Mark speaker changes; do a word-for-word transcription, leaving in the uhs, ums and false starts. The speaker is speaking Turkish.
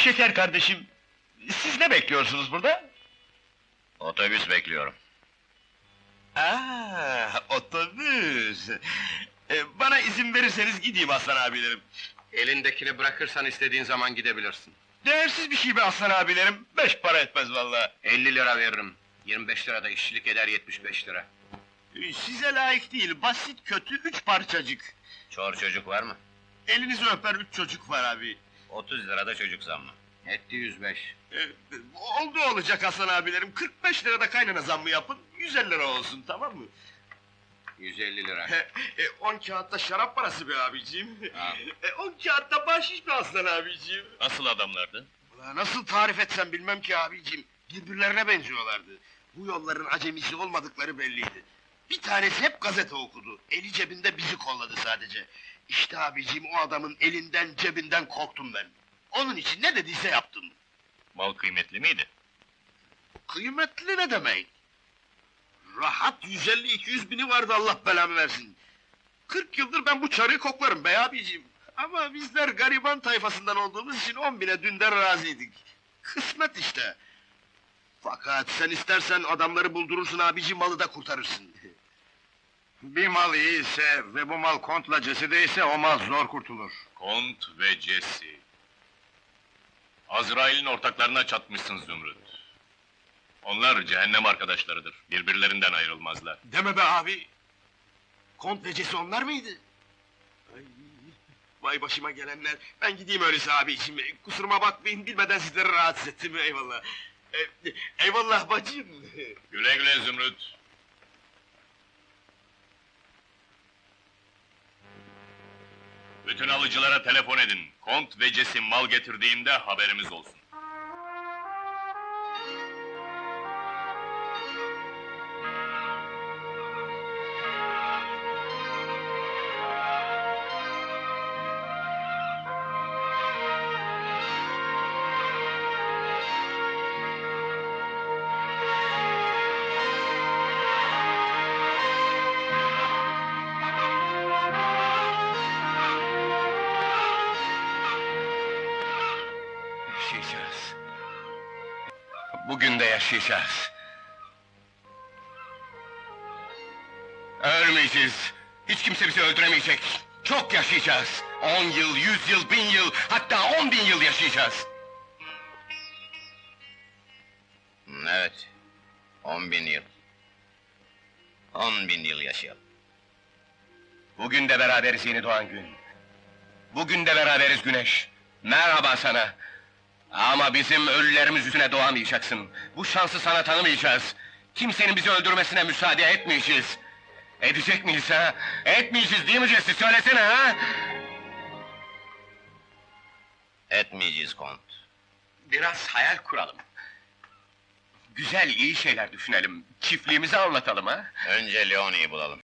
Speaker 1: şeker kardeşim, siz ne bekliyorsunuz burada?
Speaker 2: Otobüs bekliyorum.
Speaker 1: Aa, otobüs! Ee, bana izin verirseniz gideyim Aslan abilerim.
Speaker 3: Elindekini bırakırsan istediğin zaman gidebilirsin.
Speaker 1: Değersiz bir şey be Aslan abilerim, beş para etmez vallahi.
Speaker 3: elli lira veririm. yirmi beş lira da işçilik eder, yetmiş beş lira.
Speaker 1: Ee, Size layık değil, basit kötü üç parçacık.
Speaker 2: Çor çocuk var mı?
Speaker 1: Elinizi öper üç çocuk var abi.
Speaker 2: otuz lirada çocuk zammı.
Speaker 3: Etti yüz beş.
Speaker 1: Ee, oldu olacak Aslan abilerim, kırk beş lirada kaynana zammı yapın, yüz elli lira olsun, tamam mı?
Speaker 3: yüz elli lira.
Speaker 1: e, on kağıtta şarap parası be abiciğim.
Speaker 3: Ha.
Speaker 1: E, on kağıtta bahşiş be Aslan abiciğim.
Speaker 2: Nasıl adamlardı?
Speaker 1: Ulan nasıl tarif etsem bilmem ki abiciğim. Birbirlerine benziyorlardı. Bu yolların acemisi olmadıkları belliydi. Bir tanesi hep gazete okudu. Eli cebinde bizi kolladı sadece. İşte abiciğim o adamın elinden cebinden korktum ben. Onun için ne dediyse yaptım.
Speaker 2: Mal kıymetli miydi?
Speaker 1: Kıymetli ne demek? Rahat yüz elli iki yüz bini vardı Allah belamı versin. Kırk yıldır ben bu çarıyı koklarım bey abiciğim. Ama bizler gariban tayfasından olduğumuz için on bine dünden razıydık. Kısmet işte. Fakat sen istersen adamları buldurursun abiciğim, malı da kurtarırsın.
Speaker 3: Bir mal iyiyse ve bu mal kontla cesideyse o mal zor kurtulur.
Speaker 2: Kont ve Jesse. Azrail'in ortaklarına çatmışsın Zümrüt. Onlar cehennem arkadaşlarıdır, birbirlerinden ayrılmazlar.
Speaker 1: Deme be abi! Kont vecesi onlar mıydı? Ay, vay başıma gelenler! Ben gideyim öyleyse abiciğim, kusuruma bakmayın, bilmeden sizleri rahatsız ettim, eyvallah! E, eyvallah bacım!
Speaker 2: Güle güle Zümrüt! Bütün alıcılara telefon edin. Kont ve Jesse mal getirdiğinde haberimiz olsun.
Speaker 1: Yaşayacağız. Bugün de yaşayacağız. Ölmeyeceğiz. Hiç kimse bizi öldüremeyecek. Çok yaşayacağız. On yıl, yüz yıl, bin yıl, hatta on bin yıl yaşayacağız.
Speaker 2: Evet, on bin yıl. On bin yıl yaşayalım.
Speaker 1: Bugün de beraberiz yeni doğan gün. Bugün de beraberiz güneş. Merhaba sana. Ama bizim ölülerimiz yüzüne doğamayacaksın. Bu şansı sana tanımayacağız. Kimsenin bizi öldürmesine müsaade etmeyeceğiz. Edecek miyiz ha? Etmeyeceğiz değil mi Jesse? Söylesene ha!
Speaker 2: Etmeyeceğiz Kont.
Speaker 1: Biraz hayal kuralım. Güzel, iyi şeyler düşünelim. Çiftliğimizi anlatalım ha?
Speaker 2: Önce Leonie'yi bulalım.